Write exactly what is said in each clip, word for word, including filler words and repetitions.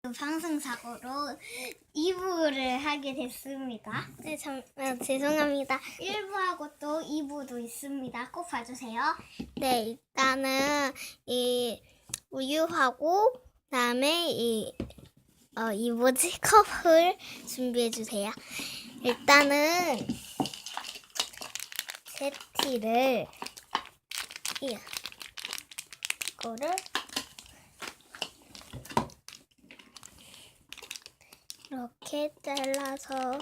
방송 사고로 이 부를 하게 됐습니다. 네, 참, 아, 죄송합니다. 일 부하고 또 이 부도 있습니다. 꼭 봐주세요. 네, 일단은 이 우유하고 그다음에 이, 어, 이 뭐지? 컵을 준비해 주세요. 일단은 제티를 이 이거를 이렇게 잘라서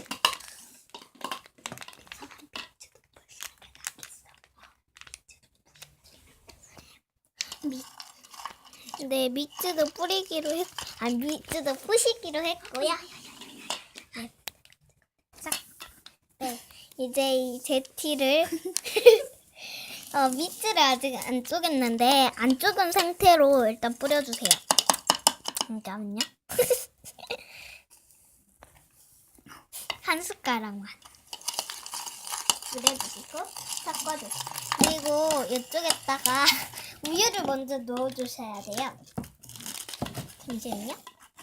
미, 네, 밑즈도 뿌리기로 했, 아, 밑즈도 부시기로 했고요. 네. 자, 네, 이제 이 제티를 어, 밑즈를 아직 안 쪼갰는데 안 쪼근 상태로 일단 뿌려주세요. 잠깐만요. 한 숟가락만 뿌려주시고 섞어주세요. 그리고 이쪽에다가 우유를 먼저 넣어주셔야 돼요. 잠시만요.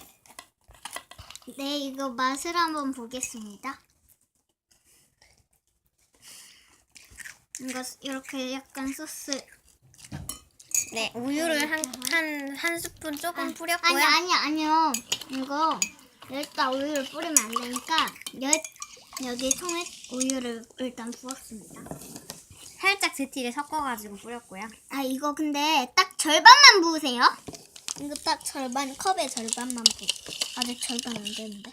네, 이거 맛을 한번 보겠습니다. 이거 이렇게 약간 소스. 네, 우유를 한, 한, 한 스푼 조금 뿌렸고요. 아니, 아니, 아니요. 이거 일단 우유를 뿌리면 안 되니까 여, 여기 통에 우유를 일단 부었습니다. 살짝 제티를 섞어가지고 뿌렸고요. 아, 이거 근데 딱 절반만 부으세요. 이거 딱 절반, 컵의 절반만 부. 아직 절반 안 되는데.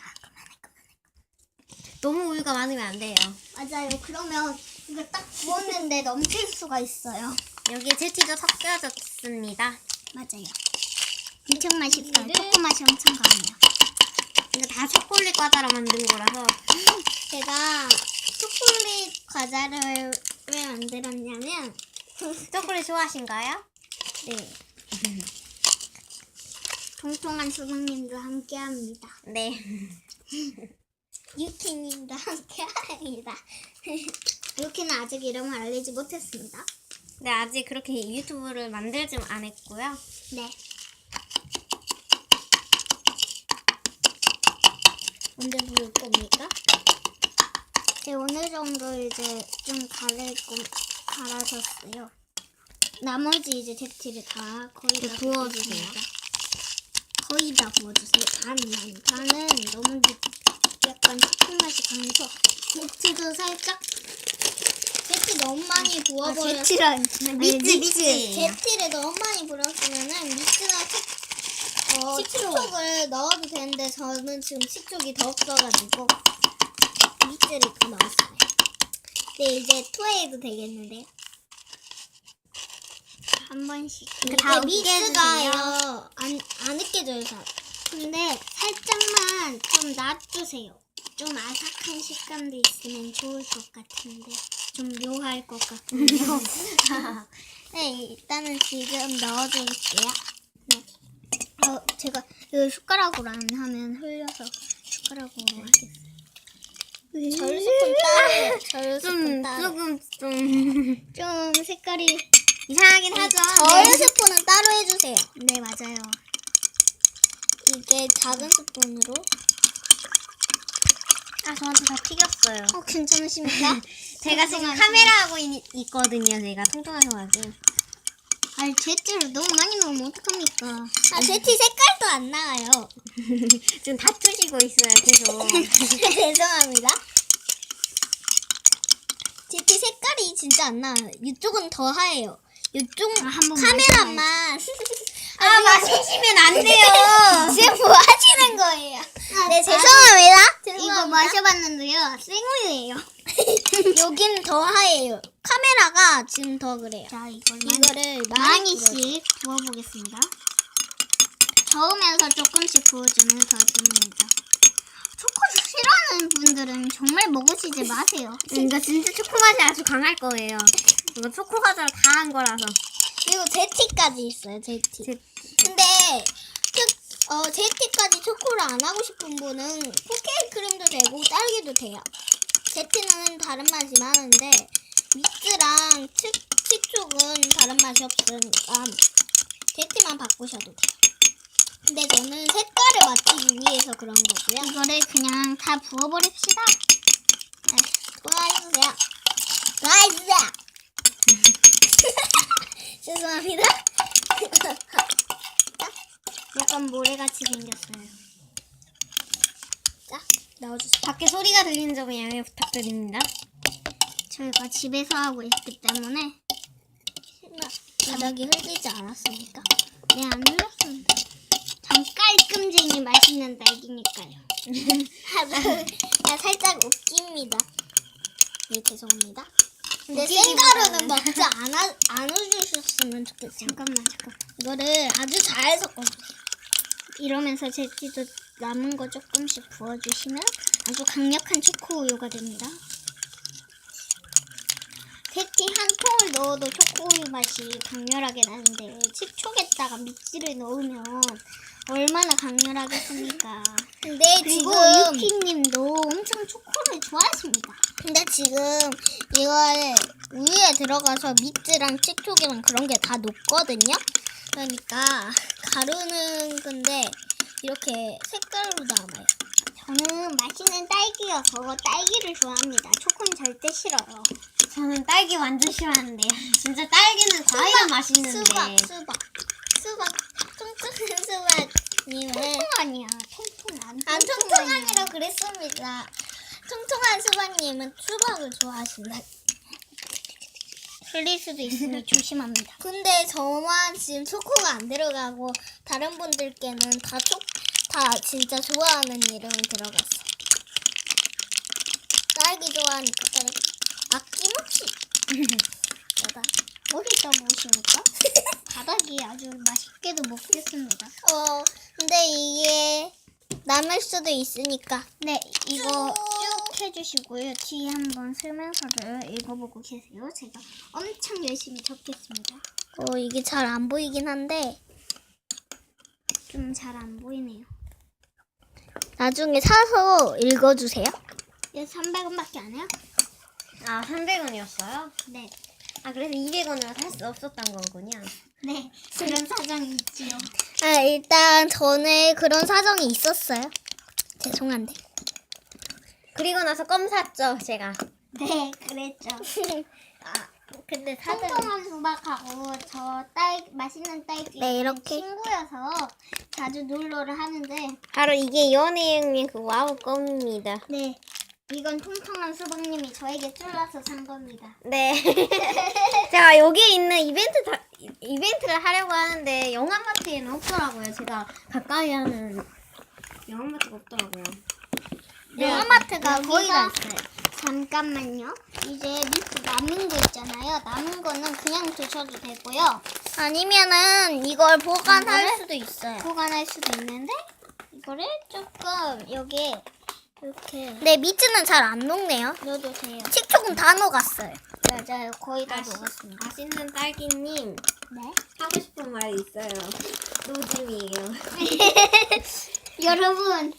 너무 우유가 많으면 안 돼요. 맞아요. 그러면 이거 딱 부었는데 넘칠 수가 있어요. 여기에 제티도 섞여졌습니다. 맞아요. 엄청 맛있어요. 우유를- 초코 맛이 엄청 강해요. 이거 다 초콜릿 과자로 만든 거라서. 제가 초콜릿 과자를 왜 만들었냐면 초콜릿 좋아하신가요? 네. 통통한 수박님도 함께합니다. 네. 유키님도 함께합니다. 유키는 아직 이름을 알리지 못했습니다. 네, 아직 그렇게 유튜브를 만들지 안 했고요. 네. 언제 부을 겁니까? 네, 어느 정도 이제 좀 갈고 갈아졌어요. 나머지 이제 제티를 다 거의 다 부어주세요. 부었습니다. 거의 다 부어주세요. 반만. 반은 너무 약간 초코 맛이 강해서 제티도 살짝 제티 너무 많이 부어버려서 제티랑 미츠, 미츠. 제티를 너무 많이 부었으면은 미츠나 식, 어, 식초를 넣어도 되는데 저는 지금 식초기 더 없어가지고 미츠를 더 넣었어요. 네, 이제 투에이도 되겠는데요. 한 번씩. 이거 다 미츠가요 안, 안 으깨져요. 잘. 근데 살짝만 좀 놔주세요. 좀 아삭한 식감도 있으면 좋을 것 같은데 좀 묘할 것 같군요. 네, 일단은 지금 넣어줄게요. 네. 어, 제가 이거 숟가락으로 안 하면 흘려서 숟가락으로 하겠어요. 절 스푼 따로, 절 좀, 스푼 따로. 조금, 좀, 좀 색깔이 이상하긴 하죠. 절 네. 스푼은 따로 해주세요. 네, 맞아요. 이게 작은 스푼으로. 아, 저한테 다 튀겼어요. 어, 괜찮으십니까? 제가 지금 카메라 하고 있, 있거든요. 제가 통통하셔가지고. 아니, 제티를 너무 많이 넣으면 어떡합니까? 아, 제티 색깔도 안 나와요. 지금 다투시고 있어요, 계속. 죄송합니다. 제티 색깔이 진짜 안 나와요. 이쪽은 더 하얘요. 이쪽 아, 한번 카메라만. 아, 마시시면 안 돼요. 지금 뭐 하시는 거예요? 네, 죄송합니다. 이거 마셔봤는데요. 생우유예요. 여긴 더 하얘요. 카메라가 지금 더 그래요. 자, 이걸 이거를 많이씩 부어보겠습니다. 저으면서 조금씩 부어주면 더 좋습니다. 초콜릿 싫어하는 분들은 정말 먹으시지 마세요. 이거 진짜 초코 맛이 아주 강할 거예요. 이거 초코 과자를 다 한 거라서. 그리고 제티까지 있어요. 제티. 제- 근데 그, 어, 제티까지 초코를 안 하고 싶은 분은 쿠키 크림도 되고 딸기도 돼요. 제티는 다른 맛이 많은데 미츠랑 치, 치촉은 다른 맛이 없으니까 제티만 바꾸셔도 돼요. 근데 저는 색깔을 맞추기 위해서 그런 거고요. 이거를 그냥 다 부어버립시다. 네, 도와주세요. 도와주세요. 죄송합니다. 약간 모래같이 생겼어요. 자, 넣어주세요. 밖에 소리가 들리는 점에 양해 부탁드립니다. 저희가 집에서 하고 있기 때문에 바닥이 흘리지 않았습니까? 네, 안 눌렀습니다. 전 깔끔쟁이 맛있는 딸기니까요. 아, 살짝 웃깁니다. 네, 죄송합니다. 근데 웃기기보다는- 생가루는 먹지 않아, 안 해주셨으면 좋겠어요. 잠깐만, 잠깐만. 이거를 아주 잘 섞어주세요. 이러면서 제티도 남은 거 조금씩 부어주시면 아주 강력한 초코 우유가 됩니다. 제티 한 통을 넣어도 초코 우유 맛이 강렬하게 나는데 식초에다가 미찌를 넣으면 얼마나 강렬하겠습니까? 근데 그리고 지금 유키님도 엄청 초코를 좋아하십니다. 근데 지금 이걸 우유에 들어가서 미트랑 식초기랑 그런 게 다 녹거든요. 그러니까 가루는 근데 이렇게 색깔로 남아요. 저는 맛있는 딸기여서 딸기를 좋아합니다. 초코는 절대 싫어요. 저는 딸기 완전 싫어하는데요. 진짜 딸기는 과일은 맛있는데. 수박, 수박, 수박, 통통한 수박님은 통통하니야. 통통한. 안 통통하니라 그랬습니다. 통통한 수박님은 수박을 좋아하신다. 흘릴 수도 있으니 조심합니다. 근데 저만 지금 초코가 안 들어가고 다른 분들께는 다 초, 다 진짜 좋아하는 이름이 들어갔어. 딸기 좋아하니까 딸기. 아낌없이. 내가 어디다 무엇입니까? 바닥이 아주 맛있게도 먹겠습니다. 어 근데 이게 남을 수도 있으니까. 네, 이거 쭉. 쭉 해주시고요. 뒤에 한번 설명서를 읽어보고 계세요. 제가 엄청 열심히 적겠습니다. 어 이게 잘 안 보이긴 한데 좀 잘 안 보이네요. 나중에 사서 읽어주세요. 얘 삼백 원밖에 안 해요? 아, 삼백 원이었어요? 네. 아, 그래서 이백 원으로 살 수 없었던 거군요. 네, 그런 사정이 있지요. 아 일단 전에 그런 사정이 있었어요. 죄송한데. 그리고 나서 껌 샀죠, 제가. 네, 그랬죠. 아 근데 사정. 통통한 수박하고 저 딸 맛있는 딸기 네, 이렇게. 친구여서 자주 놀러를 하는데 바로 이게 연예인의 그 와우 껌입니다. 네, 이건 통통한 수박님이 저에게 쫄라서 산 겁니다. 네. 제가 여기에 있는 이벤트 다, 이- 이벤트를 하려고 하는데 영암마트에는 없더라고요. 제가 가까이 하는 영암마트가 없더라고요. 네, 영화마트가 거의 다 여기가- 있어요. 잠깐만요. 이제 밑에 남은 거 있잖아요. 남은 거는 그냥 드셔도 되고요. 아니면은 이걸 보관할 이거를? 수도 있어요. 보관할 수도 있는데 이거를 조금 여기에 이렇게 근데 미트는 잘 안 녹네요. 넣어도 돼요. 식초금 다 녹았어요. 맞아요. 거의 다 맛있- 녹았습니다. 맛있는 딸기님 네. 하고 싶은 말이 있어요. 노잼이에요. 여러분,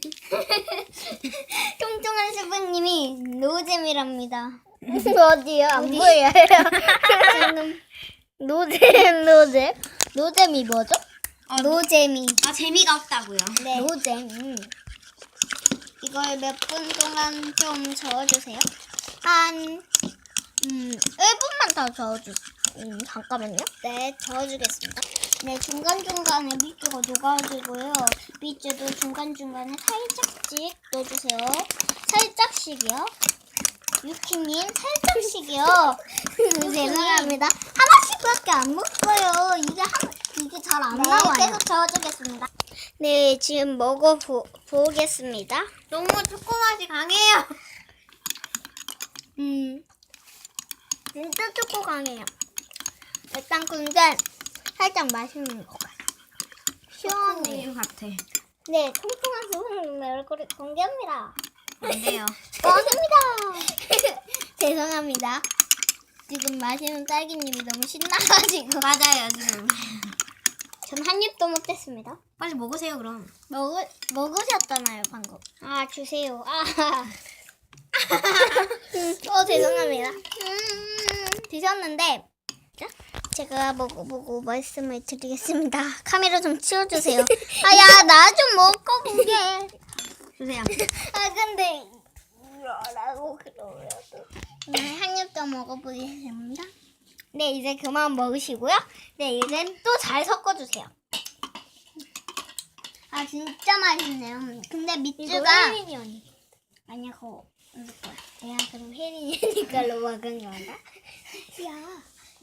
통통한 수박님이 노잼이랍니다. 어디요? 안 보여요. 지금 노잼, 노잼. 노잼이 뭐죠? 아, 노잼이. 아 재미가 없다고요. 네. 노잼. 음. 이걸 몇 분 동안 좀 저어주세요. 한 음, 일 분만 더 저어주세요. 음, 잠깐만요. 네, 저어주겠습니다. 네, 중간중간에 밑주가 녹아지고요. 밑주도 중간중간에 살짝씩 넣어주세요. 살짝씩이요. 유키님, 살짝씩이요. 죄송합니다. 하나씩밖에 안 먹어요. 이게 한, 이게 잘 안 네, 나와요. 계속 저어주겠습니다. 네, 지금 먹어보겠습니다. 너무 초코 맛이 강해요. 음, 진짜 초코 강해요. 일단 근데 살짝 맛있는 것 같아요. 시원해요. 우유 같아. 네, 통통한 수박님 얼굴을 공개합니다. 안 돼요. 고맙습니다. 죄송합니다. 지금 마시는 딸기님이 너무 신나가지고 맞아요 지금. 전 한 입도 못했습니다. 빨리 먹으세요 그럼. 먹으, 먹으셨잖아요 방금. 아, 주세요. 아, 어 죄송합니다. 음, 드셨는데 자, 제가 먹어보고 말씀을 드리겠습니다. 카메라 좀 치워주세요. 아, 야, 나 좀 먹어보게. 주세요. 아, 근데 이러라고 그러려도. 네, 한 입 더 먹어보겠습니다. 네, 이제 그만 먹으시고요. 네, 이제 또 잘 섞어주세요. 아, 진짜 맛있네요. 근데 밑주가 혜린이 언니. 아니야, 그거 없을 거야. 야 그럼 혜린이 언니걸로 먹은 거다. 야.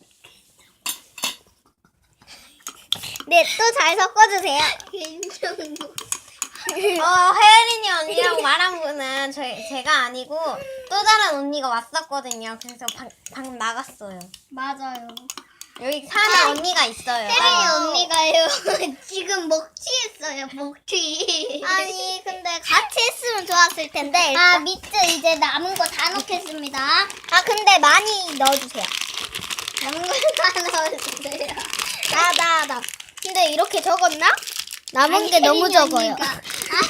네, 또 잘 섞어주세요. 김정도. 어, 혜린이 언니라고 말한 분은 저희, 제가 아니고 또 다른 언니가 왔었거든요. 그래서 방, 방금 나갔어요. 맞아요. 여기 사는 언니가 있어요. 혜린이 아, 언니가요. 지금 먹튀했어요, 먹튀. 아니, 근데 같이 했으면 좋았을 텐데. 아, 밑에 이제 남은 거 다 넣겠습니다. 아, 근데 많이 넣어주세요. 남은 거 다 넣어주세요. 나, 나, 나. 근데 이렇게 적었나? 남은 아니, 게 너무 혜린이 적어요. 언니가.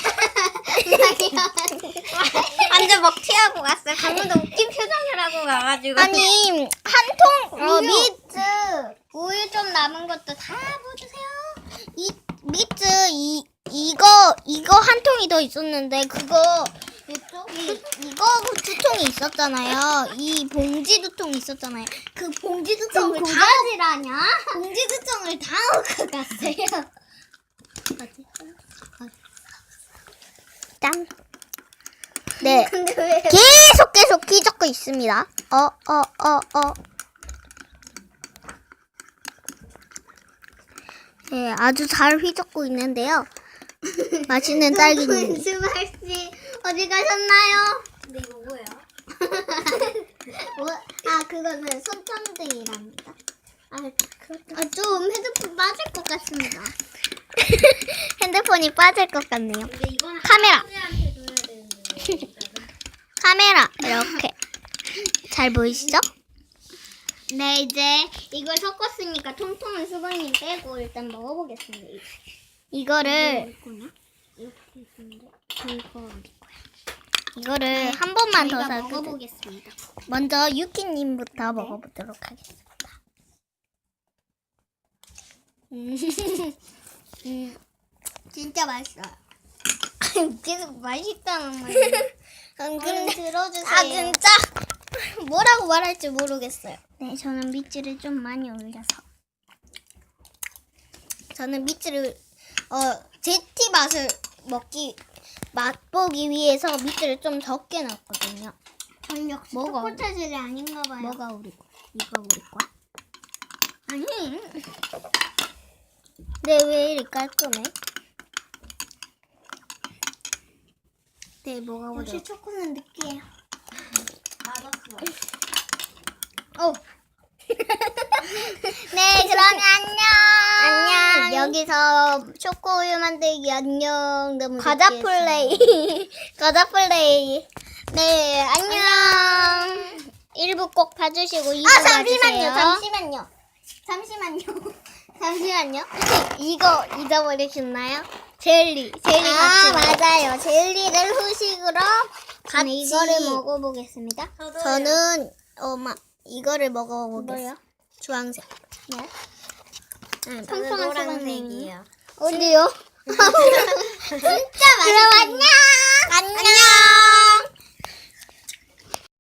완전 먹튀하고 갔어요. 방금도 웃긴 표정을 하고 가가지고. 아니, 한 통, 우유. 미트, 우유 좀 남은 것도 다 부어주세요. 이, 미트, 이, 이거, 이거 한 통이 더 있었는데, 그거, 이, 이거 두 통이 있었잖아요. 이 봉지 두 통이 있었잖아요. 그 봉지 두 통을 다, 고가지라냐? 봉지 두 통을 다 먹고 갔어요. 짠. 네. 근데 왜? 계속 계속 휘젓고 있습니다. 어, 어, 어, 어. 네, 아주 잘 휘젓고 있는데요. 맛있는 딸기님. 수박 씨 어디 가셨나요? 근데 이거 뭐예요? 뭐? 아 그거는 손전등이랍니다. 아, 아, 좀 핸드폰 빠질 것 같습니다. 핸드폰이 빠질 것 같네요. 근데 이거는 카메라. 할아버지한테 줘야 되는데. 카메라 이렇게 잘 보이시죠? 네 이제 이걸 섞었으니까 통통한 수박님 빼고 일단 먹어보겠습니다. 이거를 이거냐? 이렇게 있는데 이거 어디 거야? 이거를 한 번만 더 저희가 살펴. 먹어보겠습니다. 먼저 유키님부터 먹어보도록 하겠습니다. 음, 음, 진짜 맛있어요. 계속 맛있다는 말이에요. 음, 근데 근데 들어주세요. 아 진짜 뭐라고 말할지 모르겠어요. 네, 저는 밑줄을 좀 많이 올려서 저는 밑줄을 어 제티 맛을 먹기 맛보기 위해서 밑줄을 좀 적게 넣었거든요. 전 역시 뭐가 초코 체질이 아닌가 봐요. 뭐가 우리 거? 이거 우리 거야? 아니? 네, 왜 이리 깔끔해? 네, 뭐가 우리 역시 초코는 느끼해요. 맞았어. 어. 네, 그러면 안녕. 안녕. 여기서 초코우유 만들기 안녕. 너무 과자 플레이. 과자 플레이. 네, 안녕. 일 부 꼭 봐주시고 이 부 아 봐주세요. 잠시만요. 잠시만요. 잠시만요. 잠시만요. 이거 잊어버리셨나요? 젤리. 젤리 아 같이. 맞아요. 젤리를 후식으로 저는 같이 이거를 먹어보겠습니다. 저는 어마 이거를 먹어보겠어요. 뭐요? 주황색. 네. 응, 통통한 노란색이에요. 어디요? 진짜 맛있어요. 그럼 안녕. 안녕.